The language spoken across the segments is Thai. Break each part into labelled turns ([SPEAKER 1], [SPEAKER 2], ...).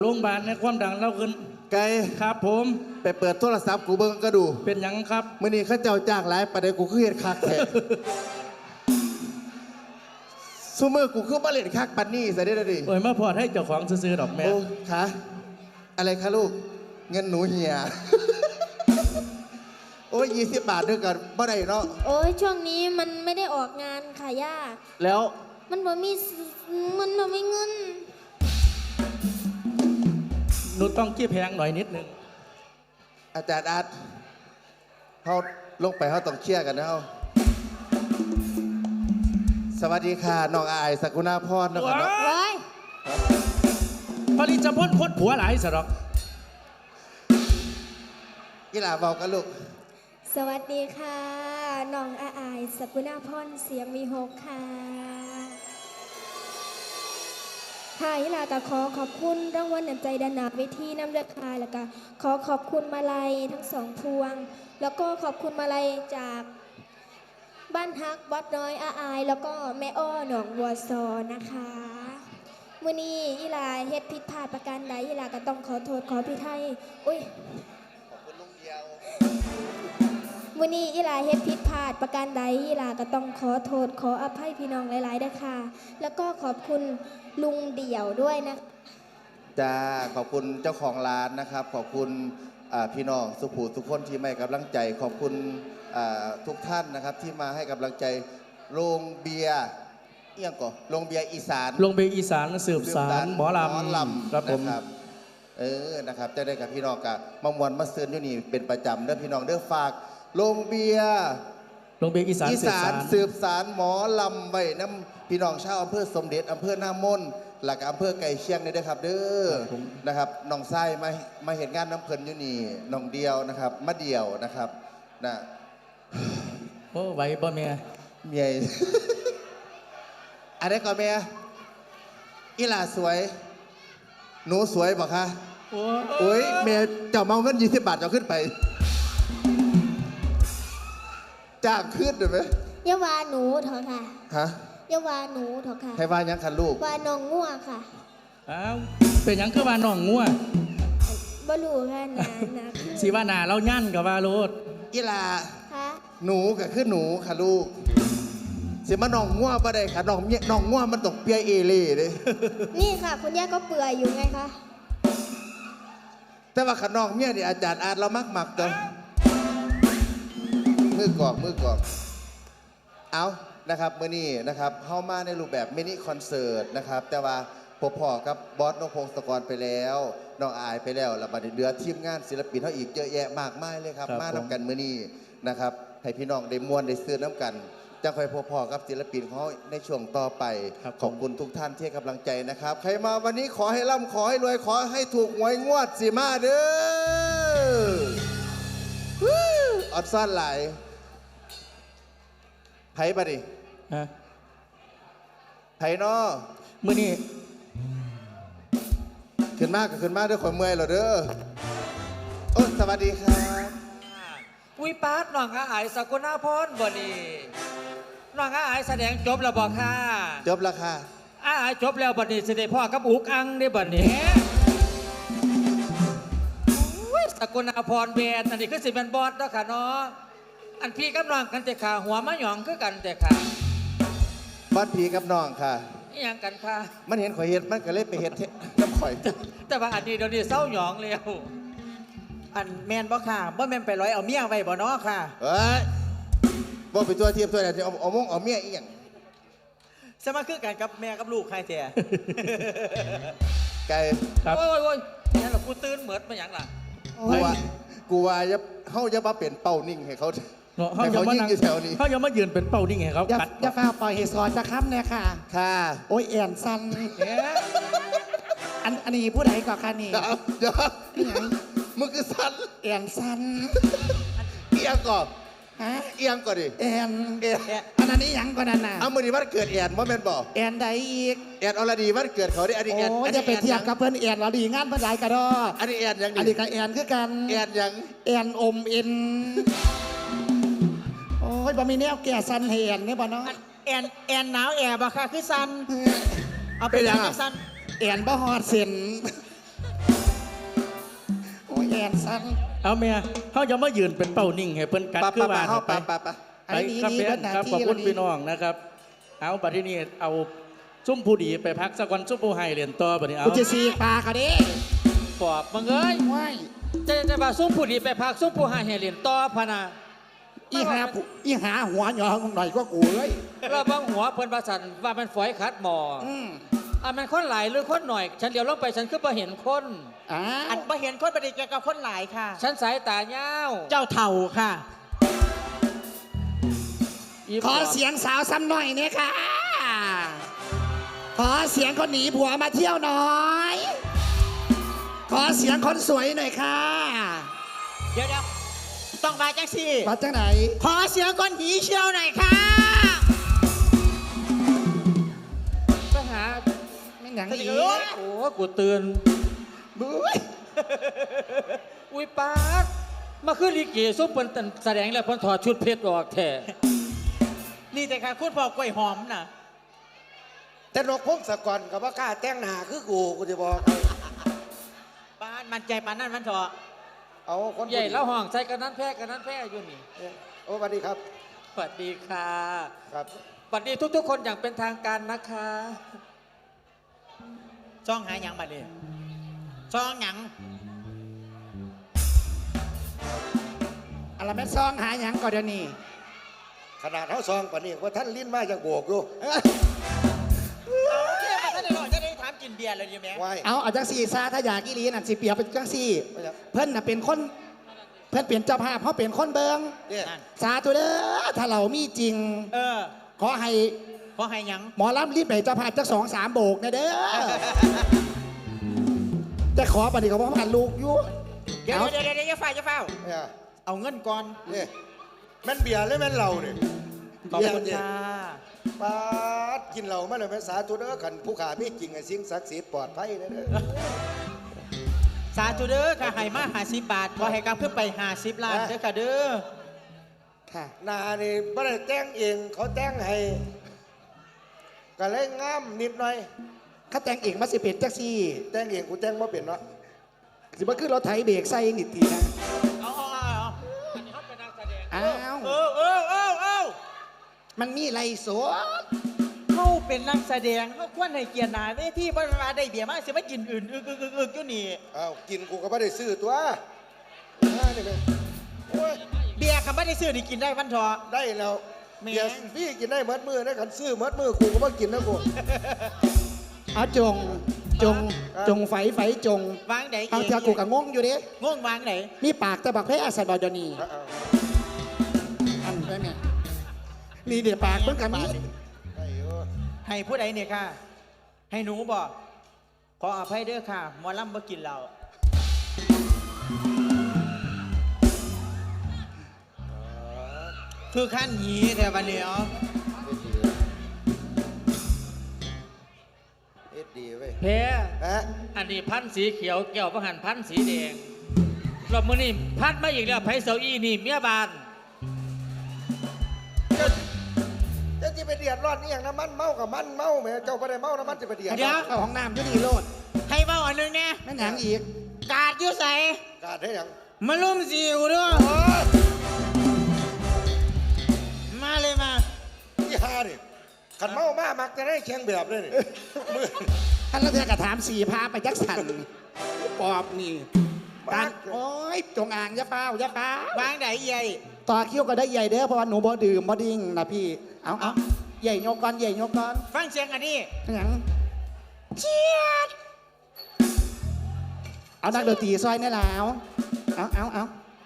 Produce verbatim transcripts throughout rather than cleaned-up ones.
[SPEAKER 1] โรงพยาบาลในความดังเราขึ้น
[SPEAKER 2] ไกล
[SPEAKER 1] ครับผม
[SPEAKER 2] ไปเปิดโทรศัพท์กูเบิ่งก็ดู
[SPEAKER 1] เป็นยังครับ
[SPEAKER 2] มื่อนี้ข้าเจ้าจ้างหลายประเดี๋ยวกูคือเห็นคักแท้ซูเมอร์กูคือมาเล่นคักปันนี่ใส่ได้ดิ
[SPEAKER 1] โอ้ยมาพอดให้เจ้าของซื้อดอกแม่
[SPEAKER 2] โอ้คะอะไรคะลูกเงินหนูเหี่ยโอ้ยยี่สิบบาทด้วยกันบ่ได้เนาะ
[SPEAKER 3] โอ้ยช่วงนี้มันไม่ได้ออกงานค่ะย่า
[SPEAKER 2] แล้ว
[SPEAKER 3] มันบ่มีมันบ่มีเงิน
[SPEAKER 1] หนูต้องกี้แพงหน่อยนิดนึง
[SPEAKER 2] อาจารย์อาร์ตเขาลงไปเขาต้องเชี่ยกันนะเขาสวัสดีค่ะน้องอายสกุณาพรนะครับเนาะ
[SPEAKER 1] ผลิตจะพ้นพ้นผัวหลายสะดอก
[SPEAKER 2] กีฬาบอกกันลูก
[SPEAKER 3] สวัสดีค่ะน้องอาอายสกุณาพรเสียงมีหกค่ะค่ะยิลาก็ขอขอบคุณรางวัลน้ำใจดานาเวทีน้ำเลือดคายแล้วก็ขอขอบคุณมาลัยทั้งสองพวงแล้วก็ขอบคุณมาลัยจากบ้านฮักวัดน้อยอาอายแล้วก็แม่อ้อหนองวัวซอนะคะมื่อนี้ยิลาเฮ็ดผิดพลาดประการใดยิลาก็ต้องขอโทษขอพิทัยอุ้ย
[SPEAKER 2] ขอบคุณลุงเดียว
[SPEAKER 3] มื่อนี้ยิลาเฮ็ดผิดพลาดประการใดยิลาก็ต้องขอโทษขออภัยพี่น้องหลายๆด้วยค่ะแล้วก็ขอบคุณลุงเดี่ยวด้วยนะ
[SPEAKER 2] จ้าขอบคุณเจ้าของร้านนะครับขอบคุณพี่น้องสุภูทุกคนที่ให้กำลังใจขอบคุณทุกท่านนะครับที่มาให้กำลังใจโรงเบียร์เอียงก่อนโรงเบียร์อีสาน
[SPEAKER 1] โรงเบียร์อีสานสืบสานหมอล
[SPEAKER 2] ำครับผมเออนะครับจะได้กับพี่น้องกับมามวนมาซื้ออยู่นี่เป็นประจำเด้อพี่น้องเด้อฝากโรงเบียร์
[SPEAKER 1] โรงเบียร์อีสาน
[SPEAKER 2] อีสานสืบสารหมอลำไว้น้ำพี่น้องชาวอำเภอสมเด็จอำเภอหน้ามนหลักอำเภอไก่เชียงนี่ด้วยครับเด้อนะครับน้องไส้มามาเห็นงานน้ำเพลินอยู่นี่น้องเดียวนะครับมะเดียวนะครับนะ
[SPEAKER 1] โอ้ไหวบ่เมีย
[SPEAKER 2] เมียอะไรก่อนเมียอีหลาสวยหนูสวยบอกคะโอ้ยเมียเจ้าเมาเงินยี่สิบบาทเจ้าขึ้นไปจ้างขึ้นได้ไหม
[SPEAKER 3] ยาวาหนูเถอะค่ะ
[SPEAKER 2] ฮะ
[SPEAKER 3] ยาวาหนูเถอะค่ะ
[SPEAKER 2] ให้ว่ายังคันลูก
[SPEAKER 3] ว่าน้องงัวค่ะ
[SPEAKER 1] อ้าวเป็นยังคือว่าน้องงัว
[SPEAKER 3] บ่รู้ค่ะนานะ
[SPEAKER 1] สีว่านาเรายั่นกับว่าโรด
[SPEAKER 2] อีลา
[SPEAKER 3] ค่ะ
[SPEAKER 2] หนูก็คือหนูค่ะลูกสิมาน้องงัวบ่ได้ค่ะน้องเมียน้องงัวมันตกเปียเอเล่เลย
[SPEAKER 3] นี่ค่ะคุณย่าก็เปื่อยอยู่ไงคะ
[SPEAKER 2] แต่ว่าขน้องเมียนี่อาจารย์อาจเรามักหมักตัวมือกอกมือกอกเอานะครับมื่อนี้นะครับเข้ามาในรูปแบบมินิคอนเสิร์ตนะครับแต่ว่าพบพ่อกับบอสนพงศกรไปแล้วน้องอายไปแล้วแล้วมาเดือทีมงานศิลปินเขาอีกเยอะแยะมากมายเลยครับมาน้ำกันมื่อนี้นะครับให้พี่น้องได้มวนได้ซื้อน้ำกันจะคอยพบพ่อกับศิลปินเขาในช่วงต่อไปขอบคุณทุกท่านที่ให้กำลังใจนะครับใครมาวันนี้ขอให้ร่ำขอให้รวยขอให้ถูกหวยงวดสิมาเด้ออดซ่อนไหลไผ่ปะดิ
[SPEAKER 1] ฮะ
[SPEAKER 2] ไผ่นอ
[SPEAKER 1] มื่อนี้
[SPEAKER 2] ขึ้นมากก็ขึ้นมากด้วยความเมื่อยเหรอเด้อโอ้สวัสดีครับ
[SPEAKER 4] วิปาร์ตน้องอาอายสกุณาพรบ่นี่น้องอาอายแสดงจบแล้วบ่ค่ะ
[SPEAKER 2] จบแล้วค่ะ
[SPEAKER 4] อาอายจบแล้วบ่นี่สิได้พ่อกับอุกอังได้บ่นี่สกุณาพรเบนอันนี้คือสิเป็นบอสเนาะค่ะเนาะอันพี่กับน้องกันแต่ขาหัวมะหยองคือกันแต่ขา
[SPEAKER 2] บ้านผีกับน้องค่ะ
[SPEAKER 4] นี่ยังกันค่ะ
[SPEAKER 2] มันเห็นข่อยเห็ดมันก็เลยไปเห็ดน้ำข่อย
[SPEAKER 4] แต่ว่าอันนี้เดี๋ยวนี้เศร้าหยองแล้ว
[SPEAKER 5] อันแมนบ่ค่ะบ่แมนไปร้อยเอาเมียไว้บ่เนาะค่ะ
[SPEAKER 2] เอ้ยบ่ไปตัวเทียบตัวไหนที่เอาเอามงเอาเมียอีหยัง
[SPEAKER 5] สมาคือกันกับแม่กับลูกใครเสีย
[SPEAKER 2] ไก่
[SPEAKER 4] ครับโอ้ยโอ้ยนี่เรากูตื่นเหมือนมาอย่างล่ะ
[SPEAKER 2] กูว่ากูว่าจะเขาจะมาเป็นเป้านิ่งให้เขา
[SPEAKER 1] เขาจะมาอยู่แถวนี้เขาจะมายืนเป็นเป้านิ่งให้เขา
[SPEAKER 5] กัดอย่าฟ้าปล่อยให้สอนจะค้ำเนี่ยค่ะ
[SPEAKER 2] ค่ะ
[SPEAKER 5] โอ้ยแอนซันอันอันนี้ผู้ใดก่อนค่ะนี่
[SPEAKER 2] เดี๋ยวนี่ไงมึงคือซัน
[SPEAKER 5] แอนซัน
[SPEAKER 2] เอียงก่อน
[SPEAKER 5] ฮะ
[SPEAKER 2] เอียงก่อนดิ
[SPEAKER 5] แอนแอนอันนั้นนี่ยังก่อนนั่นน่ะ
[SPEAKER 2] เอามือดีวันเกิดแอนว่าแม่นบอก
[SPEAKER 5] แอนใดอีก
[SPEAKER 2] แอนอรดีวันเกิดเขาได้อันนี้แอน
[SPEAKER 5] โอ้จะไปเทียบกับเพื่อนแอนเราดีงานเพื่อนหลายกระดอ
[SPEAKER 2] อันนี้แอนยัง
[SPEAKER 5] อันนี้กับแอนคือกัน
[SPEAKER 2] แอนยัง
[SPEAKER 5] แอนอมเอ็นโอ้ยบ่มีแนวแก่ซันแอนนี่บ่เนาะแอนแอนหนาวแอบบ่ค่ะคือซันเอาไปยังซันแอนบ่ฮอดเส้นสั้น
[SPEAKER 1] เอาเมียเขาจะมายืนเป็นเป้านิ่งให้เพิ่นกัด
[SPEAKER 2] ปะ
[SPEAKER 1] คือ
[SPEAKER 2] ปะ
[SPEAKER 1] ว่า
[SPEAKER 2] ปะเข้า
[SPEAKER 1] ไป
[SPEAKER 2] ปะปะปะ
[SPEAKER 5] ๆอันนี้
[SPEAKER 1] ครับ
[SPEAKER 5] นี่
[SPEAKER 1] เพื่อ
[SPEAKER 5] เป็น
[SPEAKER 1] น
[SPEAKER 5] หน้า
[SPEAKER 1] ครับ
[SPEAKER 5] ที่
[SPEAKER 1] ขอบคุณ
[SPEAKER 5] แล้ว
[SPEAKER 1] พี่น้องนะครับ เอาบัดที่นี่เอาซุ่มผู้ดีไปพักสักวันซุ่มผู้ให้เรียนต่อบัดนี้เอา
[SPEAKER 5] กูจะสีปลาเขาดิ
[SPEAKER 4] ปอบมึงเอ้ย
[SPEAKER 5] ว้าย
[SPEAKER 4] จะจะมาซุ้มผู้ดีไปพักซุ้มผู้หาเฮเลียนต่อพะนา
[SPEAKER 5] อีหาผู้อีหาหัวหยองหน่อยก็กูเลย
[SPEAKER 4] เราบางหัวเพิ่นประสันว่ามันฝอยขัดหมอ
[SPEAKER 5] อืม
[SPEAKER 4] อ่ะมันคนหลายหรือคนหน่อย ฉันเดี๋ยวลงไปฉันคือบ่เห็นคน
[SPEAKER 5] อ้า
[SPEAKER 6] อัน
[SPEAKER 5] ว
[SPEAKER 6] มาเห็นคนปฏิกิริยากับคนหลายค่ะ
[SPEAKER 4] ฉันสายตาเย้าว
[SPEAKER 6] เจ้าเท่าค่ะ
[SPEAKER 4] อี
[SPEAKER 5] ขอเสียงสาวซ้ำหน่อยเนี่ยค่ะ ขอเสียงคนหนีผัวมาเที่ยวหน่อย ขอเสียงคนสวยหน่อยค่ะ
[SPEAKER 6] เดี๋ยวเดี๋ยวต้องมาจังสิ
[SPEAKER 5] มาจากไหน
[SPEAKER 6] ขอเสียงคนหีเชี่ยวหน่อยค่ะ
[SPEAKER 4] ไปหา
[SPEAKER 5] ไม่หนัง
[SPEAKER 6] เอ้
[SPEAKER 5] อี
[SPEAKER 6] ย
[SPEAKER 5] ก
[SPEAKER 4] โอ้กูตื่น
[SPEAKER 5] บุ้ย
[SPEAKER 4] อุ้ยปาดมาคือลิเกซุ้มเพิ่นตันแสดงแล้วเพิ่นถอดชุดเพชรออกแท้
[SPEAKER 6] นี่แต่ค่ะคุณพ่อกล้วยหอมน่ะ
[SPEAKER 7] แต่นกพงศกรกับว่ากล้าแต่งหน้าคือกูกูจะบอกให้
[SPEAKER 6] ป้านมันใจปานนั่นมันเถอะ
[SPEAKER 7] เอาคน
[SPEAKER 4] ใหญ่แล้วห้องใส่กันนั้นแพ้กันนั้นแพ้อยู่นี่
[SPEAKER 7] โอ้สวัสดีครับ
[SPEAKER 4] สวัสดีค่ะ
[SPEAKER 7] ครับ
[SPEAKER 4] สวัสดีทุกๆ คนอย่างเป็นทางการนะคะ
[SPEAKER 6] ช่องหาหยังบัดนี้ช่องหยัง
[SPEAKER 5] อะไรแม่ซองหาหยังก่อนเดี๋ยวนี้
[SPEAKER 7] ขนาดเท้าซองปานนี้ว่าท่านลิ้นมาจากโบกอยู่
[SPEAKER 6] เอาเที่ยมาท่านได้หรอจะได้ถามกินเบียร์เลยดีไหม
[SPEAKER 7] ไว้
[SPEAKER 5] เอาเอาจังสี่ซาถ้าอยากอีหลีนั่นสิเปรียบเป็นจังสี่
[SPEAKER 7] ไม่อยาก
[SPEAKER 5] เพิ่นน่ะเป็นคน เพิ่นเปลี่ยนเจ้าภาพเขาเป็นคนเบิง
[SPEAKER 7] เนี่ย
[SPEAKER 6] นั่น
[SPEAKER 5] สาธุเด้อถ้าเรามีจริง
[SPEAKER 6] เออ
[SPEAKER 5] ขอให้
[SPEAKER 6] ขอให้หยัง
[SPEAKER 5] หมอลำรีบไปเจ้าภาพจักสองสามโบกนะเด้อ แต่ขอปฏิกับพ่อพันลูกอยู่
[SPEAKER 6] เดี๋ยว
[SPEAKER 5] เอา
[SPEAKER 6] เดี๋ยวเดี๋ยวเดี๋ยวอย่าเฝ้าอย่าเฝ้า
[SPEAKER 7] เนี่ย
[SPEAKER 6] เอาเงินก่อน
[SPEAKER 7] เนี่ยแม่นเบียร์หรือแม่นเหล้าเนี่ย
[SPEAKER 6] ขอบคุณ
[SPEAKER 7] เบียร์เนี่ย
[SPEAKER 6] ค่ะ
[SPEAKER 7] ปาดกินเหล้ามาเลยแม่สาธุเด้อขันผู้ขาพี่จริงไอ้สิ่งศักดิ์สิทธิ์ปลอดภัยเด้อเด้อ
[SPEAKER 6] สาธุเด้อค่ะให้มาหาสิบบาทขอให้กลับเพื่อไปหาสิบล้านเด้อค่ะเด้อ
[SPEAKER 5] ค่ะ
[SPEAKER 7] หนานี่ไม่ได้แต่งเองเขาแต่งให้ก็เลยงามนิดหน่อย
[SPEAKER 5] ข้าแต่งเองมาสิเป็นจักซี่
[SPEAKER 7] แต่งเองกูแต่งมาเป็นเนาะ
[SPEAKER 5] สิบ่คือรถไถเบรกใส่นิดทีนะ
[SPEAKER 6] เอาเอาเอาเอา
[SPEAKER 4] อันนี้เขาเป็นนักแสดง
[SPEAKER 5] อ้าว
[SPEAKER 6] เออเออเออเออ
[SPEAKER 5] มันมีไรสด
[SPEAKER 6] เขาเป็นนักแสดงเขาควรให้เกียรติหนาเวทีบรรดาได้เบียร์มาสิมากินอื่นอึกอึกอึกอึกอยู่นี่
[SPEAKER 7] อ้าวกินกูก็ไม่ได้ซื้อตัวอ่านี่ไงโอ้ย
[SPEAKER 6] เบียร์คำว่าได้ซื้อนี่กินได้วันทอะ
[SPEAKER 7] ได้แล้ว
[SPEAKER 6] แหม่
[SPEAKER 7] เบียร์พี่กินได้เมดมือนะขันซื้อเมดมือกูก็มากินนะกู
[SPEAKER 5] เอาจง จง จงไฟไฟจง
[SPEAKER 6] วางไหน
[SPEAKER 5] เอาเธอกูกับงงอยู่เด้
[SPEAKER 6] งงวางไหน
[SPEAKER 5] มีปากแต่บักแพ้อาศัยบอดยวนี
[SPEAKER 7] เอาเอา
[SPEAKER 5] อันได้ไหมนี่เดี๋ยวปากเพิ่งกันมี
[SPEAKER 7] ได้อยู่
[SPEAKER 6] ให้ผู้ใดเนี่ยค่ะ ให้หนูบอกขออภัยเด้อค่ะหมอลำบ่กินเราคือขั้นหยีแต่วันนี้อ๋อ
[SPEAKER 7] เอ็ดดีเว้ย
[SPEAKER 4] แพ้
[SPEAKER 7] ฮะ
[SPEAKER 4] อันนี้พันธุ์สีเขียวแก้วประหันพันธุ์สีแดงรอบมือนี่พัดมาอีกแล้วไผ่เสาอี้นี่เมียบาน
[SPEAKER 7] จะจะที่ไปเดือดร้อนนี่อย่างน้ำมันเมากับมันเมาแหม่เจ้าไปได้เมาน้ำมันจะไปเดือด
[SPEAKER 6] เดี๋ยว
[SPEAKER 5] เข้าห้องน้ำก็ดีโลด
[SPEAKER 6] ให้เบ้าอันหนึงเนี่ย
[SPEAKER 5] แม่นหนังอีก
[SPEAKER 6] กาดอยู่ใส่
[SPEAKER 7] กาดได้ยัง
[SPEAKER 6] มาลุ่มสิวด้วย
[SPEAKER 7] โอ้ย
[SPEAKER 6] มาเลยมา
[SPEAKER 7] ที่ฮาดิขันเมามามักจะได้แข่งแบบเลยนี่มือ
[SPEAKER 5] ท่านรัฐกระถามสี่พาไปจักสันปอบนี่การโอ้ยจงอ่างอยาเฝ้าอยาเฝ้าว
[SPEAKER 6] างไหนใหญ่
[SPEAKER 5] ต่อคิ้วก็ได้ใหญ่เด้อเพราะว่าหนูบ่ดื่มบ่ดิ้งนะพี่ เอาเอาใหญ่ยกก่อนใหญ่ยกก่อน
[SPEAKER 6] ฟังเสียงอันนี้
[SPEAKER 5] หยังเชียดเอานักดนตรีซอยนี่แล้วเอาเอาเอา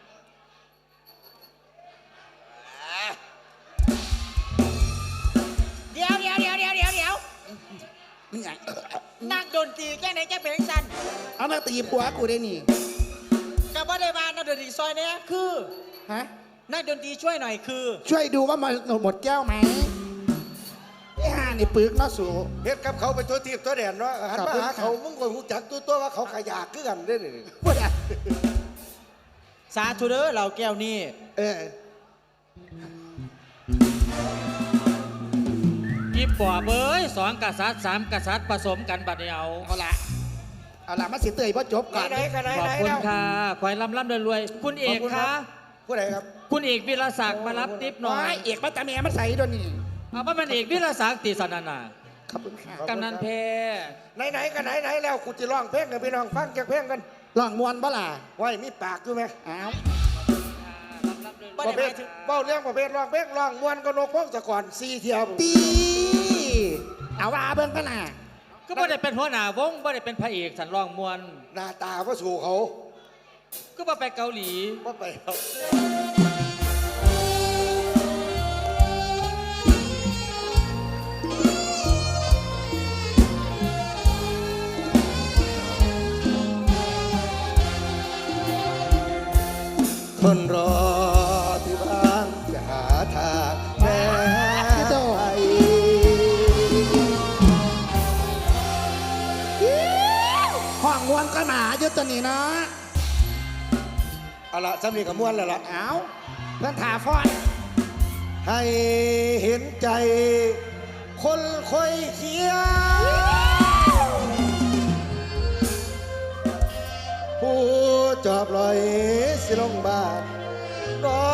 [SPEAKER 6] เดี๋ยวเดี๋ยวเดี๋ยวเดี๋ยวเดี๋ยวเดี๋ยว
[SPEAKER 5] นี่ไง
[SPEAKER 6] นักดนตรีแค่ไหนแค่เป็นสัน
[SPEAKER 5] เอานักตีผัวกูได้นี่
[SPEAKER 6] กับว่าได้มานักดนตรีซอยเนี้ยคือ
[SPEAKER 5] ฮะ
[SPEAKER 6] นักดนตรีช่วยหน่อยคือ
[SPEAKER 5] ช่วยดูว่ามันหมดแก้วไหมนี่ห่านี่ปึกเนาะสู
[SPEAKER 7] เฮ็ดกับเขาไปตัวทีบตัวแดนเนาะหันมา
[SPEAKER 5] ขอบคุณ
[SPEAKER 7] หา
[SPEAKER 5] ค่ะ
[SPEAKER 7] เขามึงก็รู้จักตัวตัวว่าเขาขยากคือกันได้นี่
[SPEAKER 5] พูดอ่ะ
[SPEAKER 6] สาธุเด้อเราแก้วนี่
[SPEAKER 5] เออ
[SPEAKER 4] ยิบปอบเอ้ยสองกษัตริย์สามกษัตริย์ผสมกันบัดเดียว
[SPEAKER 5] เอาละเอาล่ะมาสิเตยพ่อจบก่อน
[SPEAKER 7] ไหนๆกันไหน
[SPEAKER 4] ขอบ
[SPEAKER 7] ไหน
[SPEAKER 4] คุณ
[SPEAKER 7] แล้ว
[SPEAKER 4] ค่ะขอให้ร่ำร่ำรวยๆคุณเอก
[SPEAKER 7] ขอบคุณครั
[SPEAKER 4] คะ
[SPEAKER 7] บ ผู้ใดครับ
[SPEAKER 4] คุณเอกวิรศักดิ์มารับทิปหน่
[SPEAKER 5] น้
[SPEAKER 4] อ
[SPEAKER 5] อย ยเอกมาตาเมียมาใส่ด้วยนี่
[SPEAKER 4] เอาว่ามันเอกวิรศักดิ์ติสนานา
[SPEAKER 5] ขอบคุณค่ะ
[SPEAKER 7] ขอบคุณ
[SPEAKER 4] กำนันเพ
[SPEAKER 7] ไหนไหนๆกันไหนไหนๆแล้วกูจะร้องเพลงกับพี่น้องฟังจากเพลงกัน
[SPEAKER 5] ลองมวนบ่ล่ะ
[SPEAKER 7] ไว้มีปากอยู่ไหม
[SPEAKER 5] อ้าว
[SPEAKER 7] ประเภทเบ้าเรื่องประเภทร้องเพลงร้องมวนก็นกพงศกรสี่เที่ยว
[SPEAKER 5] ตีเอาว่าเบิ่งกันน่ะ
[SPEAKER 4] ก็บ่ได้เป็นหัวหน้าวงบ่ได้เป็นพระเอกสันร้องมวล
[SPEAKER 7] หน้าตาก็สู่เขา
[SPEAKER 4] ก็บ่ไปเกาหลี
[SPEAKER 7] ว่าไปเอา
[SPEAKER 2] คนรอที่บ้านจะหาทางแม่ไว้
[SPEAKER 5] ห้องมวนก็หมาอยู่ตัวนี้เนาะ
[SPEAKER 7] เอาละสำนีกับมวนแล้วล่ะ
[SPEAKER 5] เอาเพื่อนถาฟอน
[SPEAKER 7] ให้เห็นใจ คนคอยเคียงผู้จอบลอยสิลงบาทรอ